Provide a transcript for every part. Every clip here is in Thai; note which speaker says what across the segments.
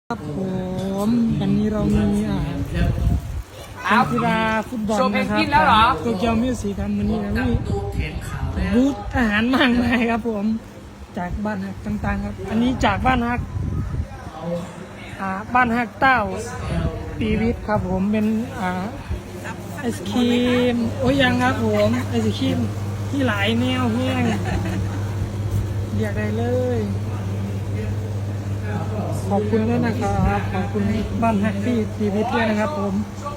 Speaker 1: ครับผมวันนี้เรามีกีฬาฟุตบอลนะครับโตเกียวมิวสิกครับวันนี้นะมีบูธอาหารมากมายครับผมจากบ้านฮักต่างๆครับอันนี้จากบ้านฮักบ้านฮักเต้าปีวิทย์ครับผมเป็นไอศครีมโอ้ยยังครับผมไอศครีมที่หลายแนวแห้งเรียกได้เลยขอบคุณด้วยนะครับขอบคุณบ้านแฮปปี้ทีวีด้วยนะครับผม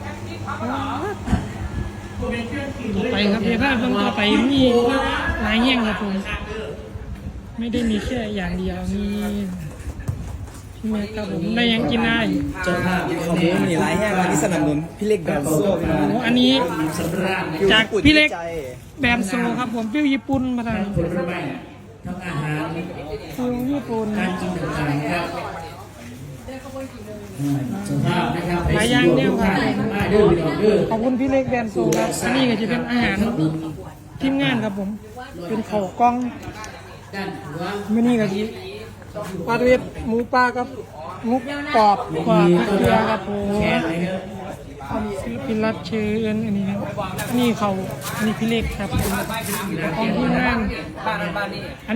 Speaker 1: ไปครับเดี๋ยวภาพต้องต่อไปมีหลายแง่งครับผมไม่ได้มีแค่อย่างเดียวมีพี่เมย์ครับผมได้ยังกินได้
Speaker 2: เจ้าภาพของผมมีหลายแห่งที่สนับสนุนพี่เล็กแบนโซ่
Speaker 1: อันนี้จากพี่เล็กแบนโซ่ครับผมฟิวญี่ปุ่นมาทางฟิวญี่ปุ่นหลายอย่างเนี่ยครับขอบคุณพี่เล็กแบนโซครับอันนี้ก็จะเป็นอาหารทีมงานครับผมเป็นข้าวกล้องไม่นี่ก็จะปลาเวทหมูปลากับหมูกรอบกว่าเกลือครับผมศิลปินรับเชิญอันนี้อันนี้เขาอันนี้พี่เล็กครับของทีมงานอัน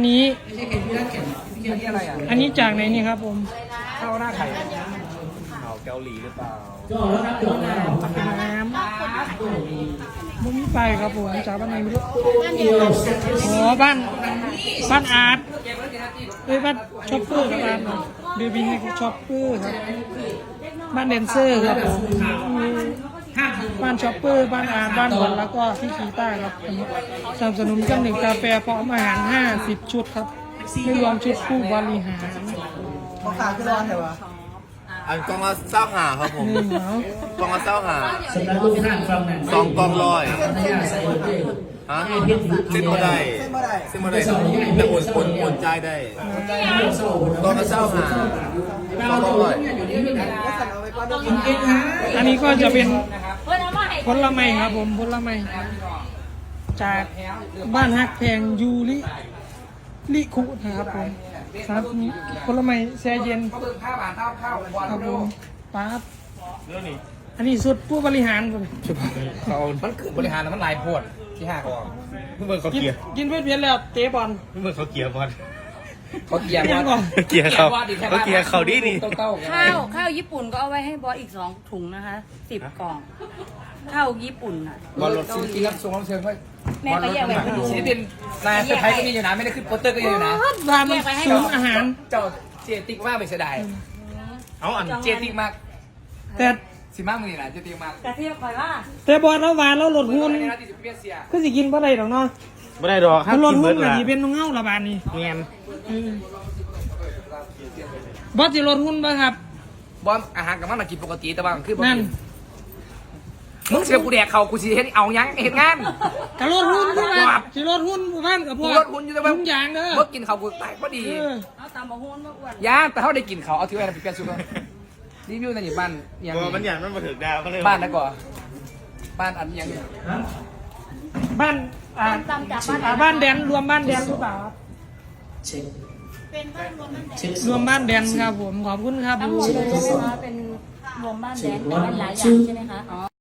Speaker 1: นี้จากไหนนี่ครับผม
Speaker 2: ข้าวหน้าไข่ข้าวเกาหลีหรือเปล่า
Speaker 1: น้ำมุ้งไปครับผมจากบ้านไหนไม่รู้อ๋อบ้านอาร์ตบ้านช็อปเปอร์ครับเบบี้ให้ช็อปเปอร์ครับบ้านแดนเซอร์ครับผมบ้านช็อปเปอร์บ้านอาร์ตบ้านบอลแล้วก็ที่คีต้าครับสนับสนุนกัน1กาแฟพร้อมอาหาร50ชุดครับไม่รวมชุดผู้บริหาร
Speaker 2: เขาขาขึ้นร้อนเหรอวะอันกองละเศร้าหาครับผมกองละเศร้าหา2 กองร้อยฮะเส้นบ่ได้แต่อุ่นใจได้กองละเศร้าหา2 กองร้อย
Speaker 1: อันนี้ก็จะเป็นผลไม้ครับผมผลไม้จากบ้านฮักแพงยูลิคุนะครับผมครับผลไม้แช่เย็นครับผมป๊าบอันนี้สุดผู้บริหารผม
Speaker 2: มันคือบริหารมันหลายพวดที่5กองเมื่อเขาเกียร์
Speaker 1: กินเวียนแล้วเตะบอล
Speaker 2: เมื่อเขาเกียร์บอล
Speaker 1: เขาเกียร์
Speaker 2: เขาดี
Speaker 3: ข้าวญี่ปุ่นก็เอาไว้ให้บอสอีก2 ถุงนะคะ10 กล่องข้าวญี่ปุ่นอ่ะ
Speaker 2: บอลรถซีรีส์รับส่งรับเชิญค่อย
Speaker 3: แม่ก็แยกไว้ให้ดู
Speaker 2: ศิลปินนายเซอร์ไพรส์ก็มีอยู่นะไม่ได้ขึ้นโปสเตอร์ก็อยู่นะ
Speaker 1: ร้านมันสูงอาหาร
Speaker 2: เจ้าเจติกมากไปเสียดายเอาอันเจติกมาก
Speaker 1: แต่
Speaker 2: สิมากมึงนี่นะเจติกมาก
Speaker 3: แต่เทียบคอยว่า
Speaker 1: แต่บอลแล้วหวานแล้วหลดหุ้นก็สิกินบ่ได้หรอกเนาะ
Speaker 2: บ่ได้ดอก
Speaker 1: ถ้าหลดหุ้นก็สิเป็นน้องเงาละบาทนี่
Speaker 2: เงี้ย
Speaker 1: บอสสิหลดหุ้นป่ะครับ
Speaker 2: บอสอาหารกับมันกินปกติแต่ว่าคือนั่นมึงเสียกูแดกเขากูสิเฮ็ดเอายังเฮ็ดงาน
Speaker 1: กะลดหุ้นด้วยสิลดหุ้นผู้พันกับพวก
Speaker 2: ลดหุ้นอยู่แต่ว่า
Speaker 1: ทุกอย่างเด้อ
Speaker 2: บ่กินเขากูตายพอดี
Speaker 3: เอาตามบ่หุ้นบ่อ้วน
Speaker 2: ย่าแต่เขาได้กินเขาเอาถือไว้ไปเปลี่ยนชุดรีวิวในบ้านยังมันอย่างมันมาถึงดาวเขาเลยบ้านนะก่อนบ้านอันยัง
Speaker 1: บ้านบ้านแดนรวมบ้านแดนหรือเปล่าครับ
Speaker 3: เป็นบ้านรวมบ้านแดน
Speaker 1: รวมบ้านแดนครับผมขอบคุณครับ
Speaker 3: ทั้งหมดเลยใช่ไหมคะเป็นรวมบ้านแดนแต่เป็นหลายอย่างใช่ไหมคะ